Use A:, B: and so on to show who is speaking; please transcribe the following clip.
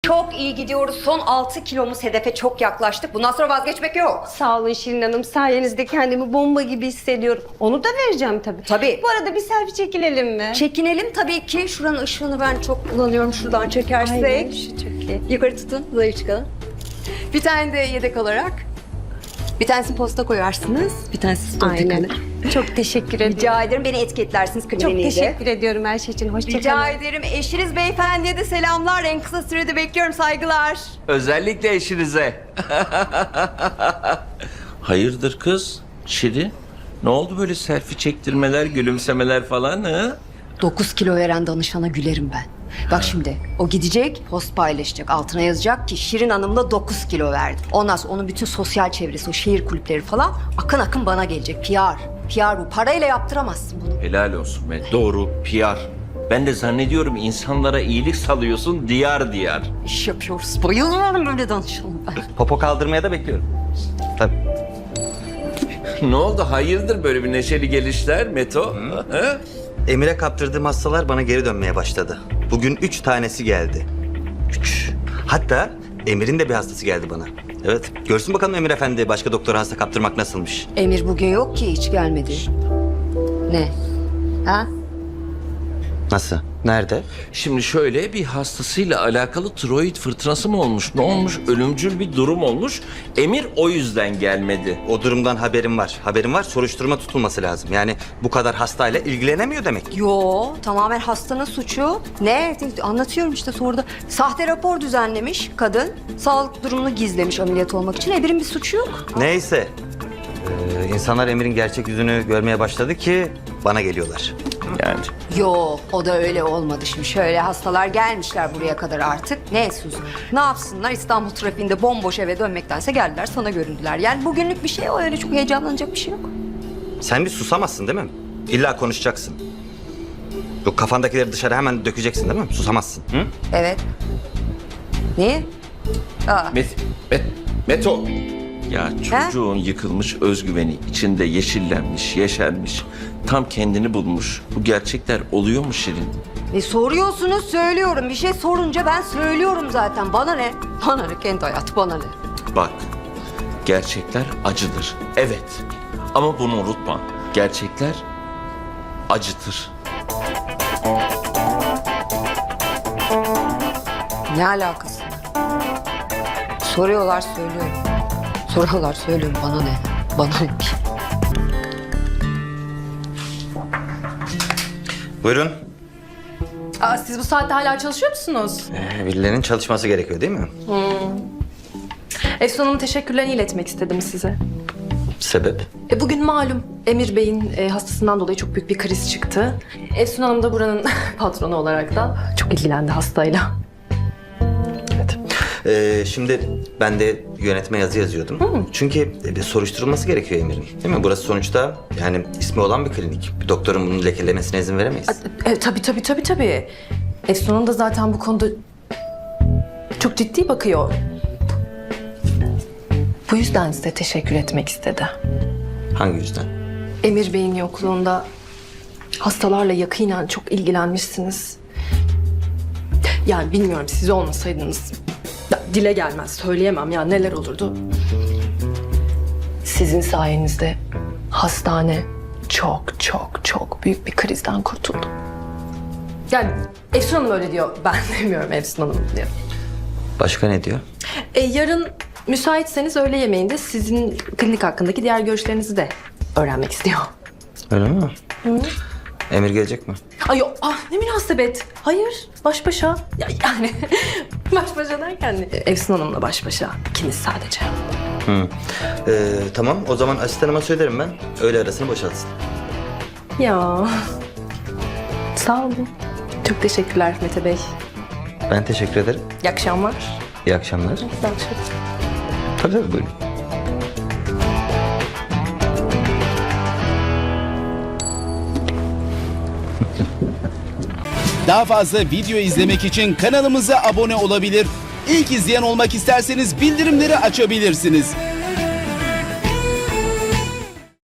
A: Çok iyi gidiyoruz. Son 6 kilomuz hedefe çok yaklaştık. Bundan sonra vazgeçmek yok.
B: Sağ olun Şirin Hanım. Sayenizde kendimi bomba gibi hissediyorum. Onu da vereceğim tabii.
A: Tabii.
B: Bu arada bir selfie çekilelim mi?
A: Çekinelim tabii ki. Şuranın ışığını ben çok kullanıyorum. Şuradan çekersek.
B: Aynen, şu çok iyi.
A: Yukarı tutun, zayıf çıkalım. Bir tane de yedek olarak. Bir tanesini posta koyarsınız, bir tanesi story
B: Aynen.
A: kalır.
B: Çok teşekkür ederim.
A: Rica ederim, beni etiketlersiniz
B: Çok
A: kliniğinde.
B: teşekkür ediyorum her şey için. Hoşça
A: Rica
B: kalın.
A: ederim. Eşiniz beyefendiye de selamlar. En kısa sürede bekliyorum. Saygılar.
C: Özellikle eşinize. Hayırdır kız? Şirin? Ne oldu böyle selfie çektirmeler, gülümsemeler falan ha?
A: 9 kilo veren danışana gülerim ben. Bak şimdi o gidecek, post paylaşacak. Altına yazacak ki Şirin Hanım'la 9 kilo verdi. Ondan sonra onun bütün sosyal çevresi, o şehir kulüpleri falan akın akın bana gelecek. PR bu. Parayla yaptıramazsın bunu.
C: Helal olsun be. Doğru, PR. Ben de zannediyorum insanlara iyilik salıyorsun diyar diyar.
A: İş yapıyoruz. Bayılıyorum böyle danışanım ben.
D: Popo kaldırmaya da bekliyorum. Tabii.
C: Ne oldu? Hayırdır böyle bir neşeli gelişler Meto? Ha?
D: Emir'e kaptırdığım hastalar bana geri dönmeye başladı. Bugün 3 tanesi geldi. 3. Hatta Emir'in de bir hastası geldi bana. Evet. Görsün bakalım Emir Efendi başka doktora hasta kaptırmak nasılmış.
A: Emir bugün yok ki, hiç gelmedi. Ne? Ha?
D: Nasıl? Nerede?
C: Şimdi şöyle bir hastasıyla alakalı tiroid fırtınası mı olmuş? Ne olmuş? Ölümcül bir durum olmuş. Emir o yüzden gelmedi.
D: O durumdan haberim var. Haberim var. Soruşturma tutulması lazım. Yani bu kadar hastayla ilgilenemiyor demek ki.
A: Yo, tamamen hastanın suçu. Ne? Anlatıyorum işte soruda. Sahte rapor düzenlemiş kadın. Sağlık durumunu gizlemiş ameliyat olmak için. Emir'in bir suçu yok.
D: Neyse. İnsanlar Emir'in gerçek yüzünü görmeye başladı ki bana geliyorlar.
C: Yani.
A: Yo, o da öyle olmadı şimdi. Şöyle hastalar gelmişler buraya kadar artık. Ne Suzu? Ne yapsınlar? İstanbul trafiğinde bomboş eve dönmektense geldiler sana göründüler. Yani bugünlük bir şey o, öyle çok heyecanlanacak bir şey yok.
D: Sen bir susamazsın değil mi? İlla konuşacaksın. Yok kafandakileri dışarı hemen dökeceksin değil mi? Susamazsın. Hı?
A: Evet. Niye? Aa,
C: Meto. Ya çocuğun yıkılmış özgüveni içinde yeşillenmiş, yeşermiş. Tam kendini bulmuş. Bu gerçekler oluyor mu Şirin?
A: soruyorsunuz söylüyorum. Bir şey sorunca ben söylüyorum zaten. Bana ne? Bana ne? Kendi hayatı bana ne?
C: Bak, gerçekler acıdır. Evet. Ama bunu unutma. Gerçekler acıtır.
A: Ne alakası var? Soruyorlar söylüyorum. Soruyorlar söylüyorum. Bana ne? Bana ne?
D: Buyurun.
E: Siz bu saatte hala çalışıyor musunuz?
D: Birilerinin çalışması gerekiyor değil mi?
E: Efsun Hanım'ın teşekkürlerini iletmek istedim size.
D: Sebep?
E: Bugün malum Emir Bey'in hastasından dolayı çok büyük bir kriz çıktı. Efsun Hanım da buranın patronu olarak da çok ilgilendi hastayla.
D: Evet. Şimdi ben de yönetme yazı yazıyordum. Çünkü bir soruşturulması gerekiyor Emir'in. Değil mi? Burası sonuçta yani ismi olan bir klinik. Bir doktorun bunu lekelemesine izin veremeyiz.
E: Tabii. Efsun Hanım da zaten bu konuda çok ciddi bakıyor. Bu yüzden size teşekkür etmek istedi.
D: Hangi yüzden?
E: Emir Bey'in yokluğunda hastalarla yakinen çok ilgilenmişsiniz. Yani bilmiyorum, siz olmasaydınız dile gelmez, söyleyemem ya neler olurdu. Sizin sayenizde hastane çok büyük bir krizden kurtuldu. Yani Efsun Hanım öyle diyor, ben demiyorum, Efsun Hanım diyor.
D: Başka ne diyor?
E: Yarın müsaitseniz öğle yemeğinde sizin klinik hakkındaki diğer görüşlerinizi de öğrenmek istiyor.
D: Öyle mi? Emir gelecek mi?
E: Ay yok, ne münasebet. Hayır, baş başa. Yani baş başa derken Efsun Hanım'la baş başa. İkimiz sadece.
D: Tamam o zaman asistanıma söylerim ben. Öğle arasını boşaltsın.
E: Ya. Sağ olun. Çok teşekkürler Mete Bey.
D: Ben teşekkür ederim.
E: İyi akşamlar.
D: İyi akşamlar.
E: İyi akşamlar.
D: Tabii buyurun.
F: Daha fazla video izlemek için kanalımıza abone olabilir. İlk izleyen olmak isterseniz bildirimleri açabilirsiniz.